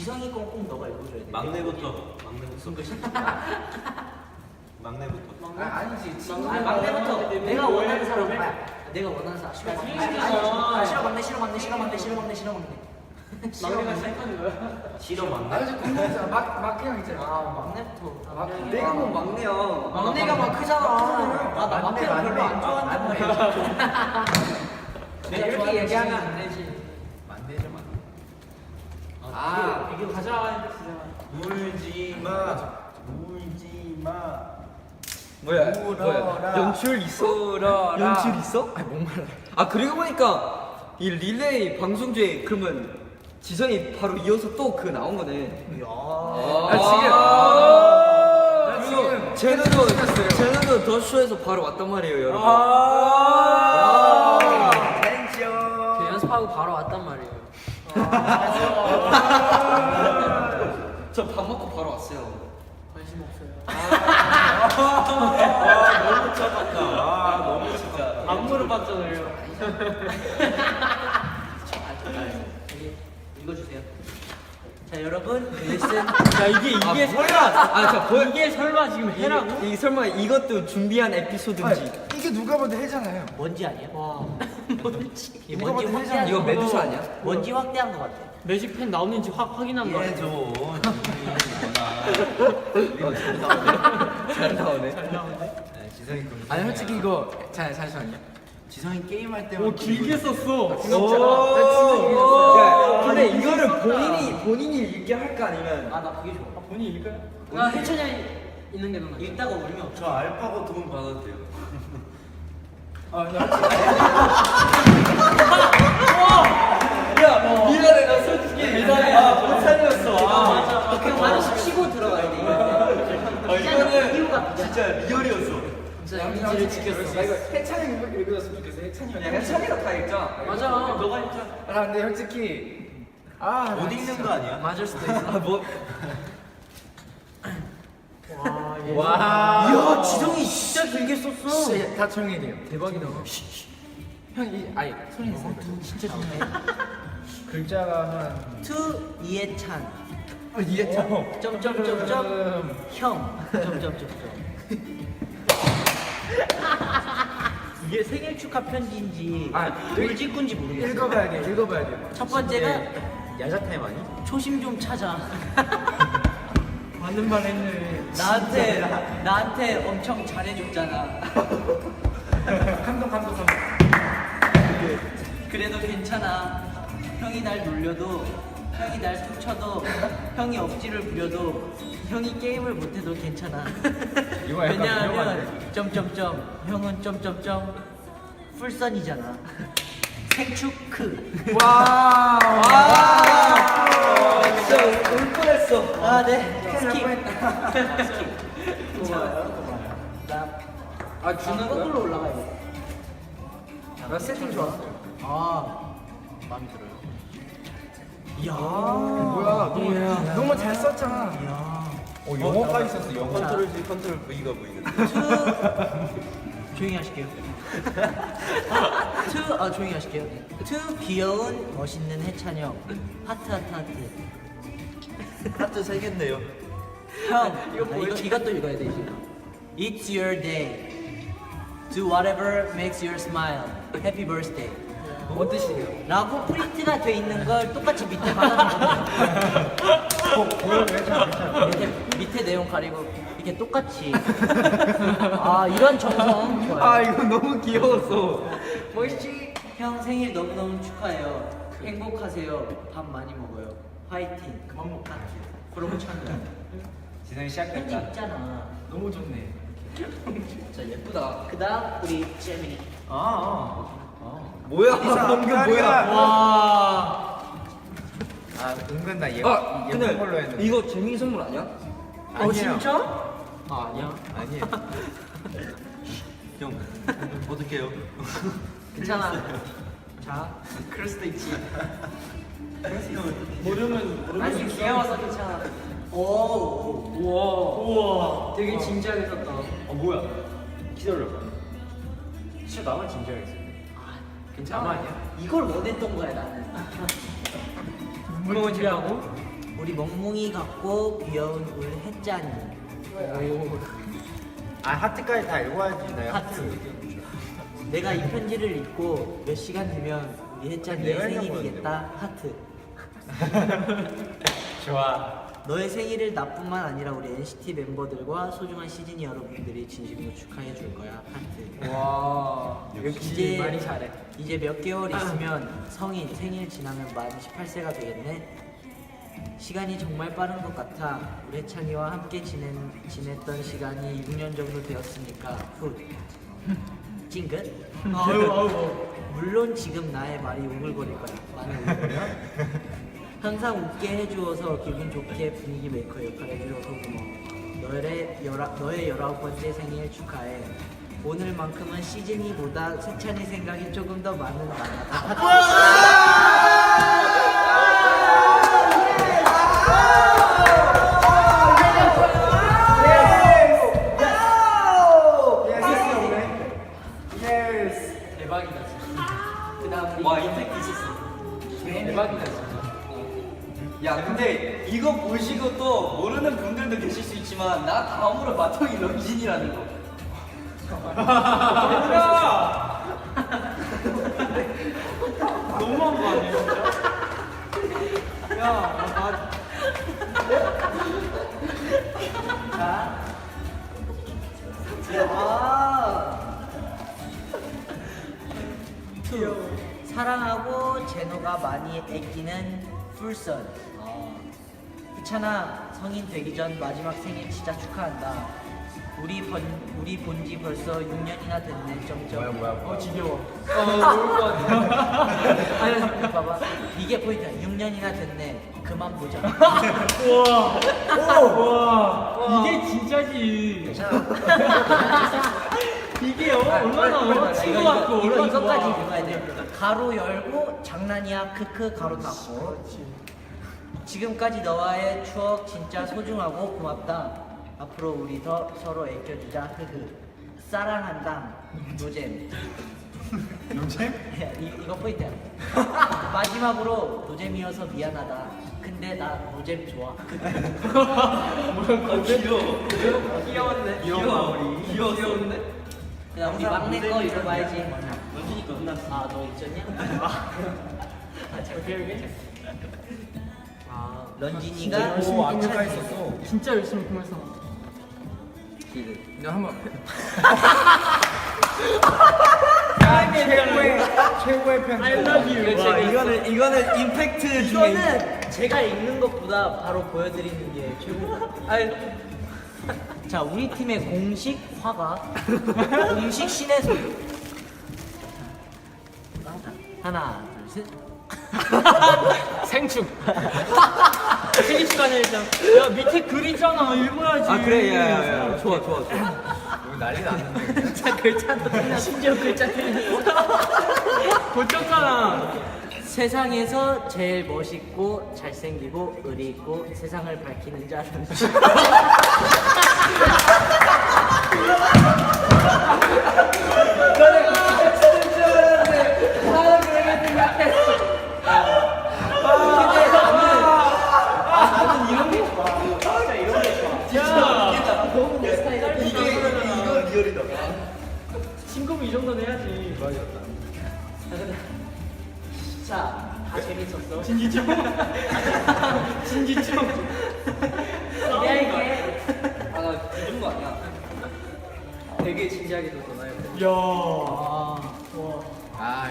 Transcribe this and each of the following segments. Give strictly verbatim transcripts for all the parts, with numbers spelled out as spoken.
지성이 건 꼭 너가 읽어줘야 돼. 막내부터 막내부터 막내부터. 아, 아니지. 아니 막내부터 내가 원하는 사람 아, 내가 원하는 사람 싫어 막내 아, 싫어 막내 싫어 막내 싫어 막내 싫어 막내 싫어 막내 막내가 시작하는 거야? 싫어 막내. 아니 궁금했잖아. 막 막형 있잖아. 아 막내부터 아, 막 내가 뭐 막내야. 막내가 막 크잖아. 아 나 막내 별로 안 좋아한단 말이야. 내가 이렇게 얘기하면 안 되지. 만내죠 만. 아 이게 가자. 울지 마. 울지 마. 뭐야? 울어라. 뭐야? 연출 있어? 연출 있어? 아니 목말라. 아 그리고 보니까 이 릴레이 방송 중에 그러면 지성이 바로 이어서 또 그 나온 거네. 야. 아, 지금. 아, 나 지금 제노도 찍었어요. 제노도 더쇼에서 바로 왔단 말이에요, 여러분. 아. 그 연습하고 바로 왔단 말이에요. 저 밥 먹고 바로 왔어요. 관심 없어요. 아 너무 차갑다. 아 너무 진짜. 안 물어봤잖아요. 여기 읽어주세요. 자 여러분 레슨 야 이게 이게 아, 설마 아, 자, 보여. 이게 설마 지금 해라고? 이, 이 설마 이것도 준비한 에피소드인지. 이게 누가 봐도 해잖아요. 뭔지 아니야? 와 뭔지 이 누가 뭔지 봐도 확대한 이거 거 메두사 아니야? 뭔지 확대한 거 같아. 매직펜 나오는지 확 확인한 거 예 같아. 줘. 잘 나오네. 지성이 군. 아니 솔직히 이거 자 잠시만요. 지성이 게임할 때만. 오 길게 썼어. 오. 야, 근데 이거를 본인이 본인이 읽게 할까 아니면 아 나 그게 좋아. 아, 본인 읽을까요? 나 해천이 있는 게 너무 읽다가 울면 저 알파고 돈 받아도 돼요. 아 야 미안해 나 솔직히 대단해. 아못 살렸어. 아 맞아. 그냥 많이 치고 들어가야 돼. 아, 이거는 이유가 진짜 리얼이었어. 진짜 이미지를 지켰어. 나 이거 해찬이 읽어줬으면 좋겠어. 해찬이 형. 야 찬이가 다 읽자. 맞아. 너가 읽자. 아 근데 솔직히 아 못 읽는 거 아니야? 맞을 수도 있어. 아 뭐? 와. 얘. 와. 이야 지성이 진짜 길게 썼어. 진짜 다 조용히 돼요. 대박이다. 형이 아니 소리 내세요. 진짜 좋네. 글자가 한 투 이해찬 어, 이해찬. 점점점점 형 점점점점. 이게 생일 축하 편지인지 아, 돌직구인지 모르겠어. 읽어봐야 돼. 읽어봐야 돼. 첫 번째가 야자 타임 아니? 초심 좀 찾아. 맞는 말 했네. 나한테 나한테 엄청 잘해줬잖아. 감동 감동 감동. 그래도 괜찮아. 형이 날 놀려도 형이 날 툭쳐도 형이 억지를 부려도 형이 게임을 못해도 괜찮아. 이거 약간 왜냐하면 위험한데? 점점점 형은 점점점 풀선이잖아. 생축크. 와. 아 진짜 울 뻔했어. 아 네. 스킵. 나 아 주는 거꾸로 거야? 올라가야 돼. 나 세팅 좋았어요. 아 마음에 들어요. 이야. 뭐야? 너무, 너무 잘 썼잖아. 이야. 어 영어가 있었어. 영어. 컨트롤 C 컨트롤 V가 보이는데. 투 조용히 하실게요. 투 아 조용히 하실게요. 투 귀여운 멋있는 해찬 형. 하트 하트 하트. 하트 세 개인데요. 형 이거 아, 이거 이것도 읽어야 돼 이제. It's your day. Do whatever makes you smile. Happy birthday. 뭔 뜻이에요? 라고 프린트가 돼 있는 걸 똑같이 밑에 받아놓은 밑에, 밑에 내용 가리고 이렇게 똑같이. 아 이런 정성 좋아요. 아 이거 너무 귀여웠어. 멋있지? 형 생일 너무너무 축하해요. 행복하세요. 밥 많이 먹어요. 화이팅. 그만 먹 하트. 그러고 찬다. 지성이 편지 시작했다. 있잖아. 너무 좋네. 진짜 예쁘다. 그다음 우리 재민이. 아. 뭐야 방금 뭐야? 와. 아 은근 나 예, 아 예쁜 걸로 근데 했는데. 이거 재민이 선물 아니야? 어 진짜? 아 아니야. 아니에요. 형 어떡해요? 괜찮아. 자. 그럴 수도 있지. 모르면 모르면. 아니 귀여워서 괜찮아. 오. 우와. 우와. 되게 진지하게 썼다. 어 뭐야? 기다려봐. 진짜 나만 진지하게 했어. 괜찮아. 나만 아니야? 이걸 원했던 거야 나는. 뭔지 하고? 우리 멍멍이 같고 귀여운 우리 햇짠이. 아 하트까지 다 읽어야지 나 하트. 내가 이 편지를 읽고 몇 시간 뒤면 우리 햇짠이의 내가 생일이겠다. 하트. 좋아. 너의 생일을 나뿐만 아니라 우리 엔시티 멤버들과 소중한 시즈니 여러분들이 진심으로 축하해 줄 거야. 하트. 와 역시 말이 잘해. 이제 몇 개월 있으면 성인 생일 지나면 만 십팔 세가 되겠네. 시간이 정말 빠른 것 같아. 우리 혜찬이와 함께 지낸, 지냈던 시간이 육 년 정도 되었으니까 훗. 찡긋? 아유 아유. 물론 지금 나의 말이 오글거릴 거야. 많이 오글거려? 항상 웃게 해주어서 기분 좋게 분위기 메이커 역할 해주셔서 고마워. 너의, 열아, 너의 열아홉 번째 생일 축하해. 오늘만큼은 시즌이보다 세찬이 생각이 조금 더 많은 나다. 대박이다 진짜. 그 다음 와 임팩트 있었어. 대박이다 진짜. 야 근데 이거 보시고 또 모르는 분들도 계실 수 있지만 나 다음으로 마통이 런쥔이라는 거. 너무한 거 아니야 진짜? 야, 나 자. 아. 투. 사랑하고 제노가 많이 아끼는 풀선. 희찬아, 성인 되기 전 마지막 생일 진짜 축하한다. 우리 번 우리 본지 벌써 육 년이나 됐네. 점점. 뭐야, 뭐야. 어 지겨워. 어 모를 것 같아. 아니 봐봐. 이게 포인트야. 육 년이나 됐네. 그만 보자. 우와. 우와. 이게 진짜지. 이게 어, 얼마나 친구 이거 같고 이거 얼마나 이거까지 좋아. 읽어야 돼. 가로 열고 장난이야 크크 가로 닫고. 지금까지 너와의 추억 진짜 소중하고 고맙다. 앞으로 우리 더 서로 애껴주자. 흐흐. 사랑한다. 노잼. 노잼? 이, 이거 포인트야. 마지막으로 노잼이어서 미안하다. 근데 나 노잼 좋아. 아 귀여워. 귀여웠네. 귀여워. 귀여웠는데? 그다음 우리 막내 거 읽어봐야지. 런쥔이 거 끝났어. 아 너 있었냐? 오케이 오케이. 아 런쥔이가 오 완벽하게 혜찬이. 썼어. 진짜 열심히 공했어. 내가 한번. 최고의 최고의 편. I love you. 와, 이거는 이거는 임팩트 중에 이거는 제가 읽는 것보다 바로 보여드리는 게 최고. 아니, 자 우리 팀의 공식 화가 공식 신의 소리. 하나 둘 셋. 생충. 생일 시간에 일단. 야 밑에 글 있잖아. 읽어야지. 아 그래 야야야 좋아 좋아 좋아. 여기 난리 났는데. 글자 글자도 틀렸어. 심지어 글자 틀렸어. 고쳤잖아. 세상에서 제일 멋있고 잘생기고 의리 있고 세상을 밝히는 자 런쥔. 친구면 이 정도는 해야지. 자, 다 재밌었어. 진지충. 진지충. 기대할게. 아나 이런 거 아니야. 되게 진지하게 줬잖아요. 야. 아, 와. 아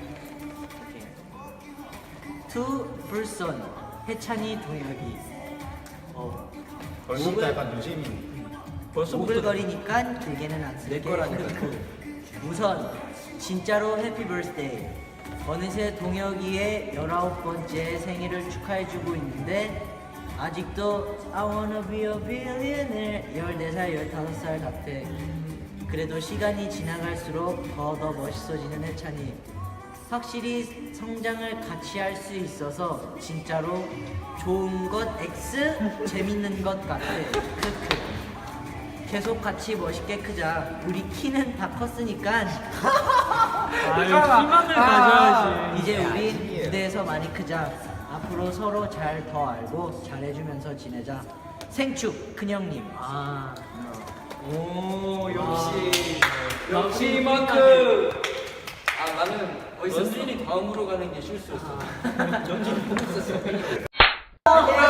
투 풀선 혜찬이 동혁이. 어, 벌써부터 약간 노잼이. 오글거리니까 길게는 안 쓸게. 내 거라니까. 우선 진짜로 해피 버스데이. 어느새 동혁이의 열아홉 번째 생일을 축하해주고 있는데 아직도 I wanna be a billionaire 열네 살, 열다섯 살 같아. 그래도 시간이 지나갈수록 더 더 멋있어지는 혜찬이. 확실히 성장을 같이 할 수 있어서 진짜로 좋은 것 X, 재밌는 것 같아. 크크. 계속 같이 멋있게 크자. 우리 키는 다 컸으니까 아, 이거 희망을 가져야지. 이제 우리 무대에서 많이 크자. 앞으로 서로 잘 더 알고 잘해주면서 지내자. 생축 큰형님. 아. 오 역시 역시 이만큼. 아 나는 원진이 다음으로 가는 게 실수였어. 전진이 보고 있었어. 아,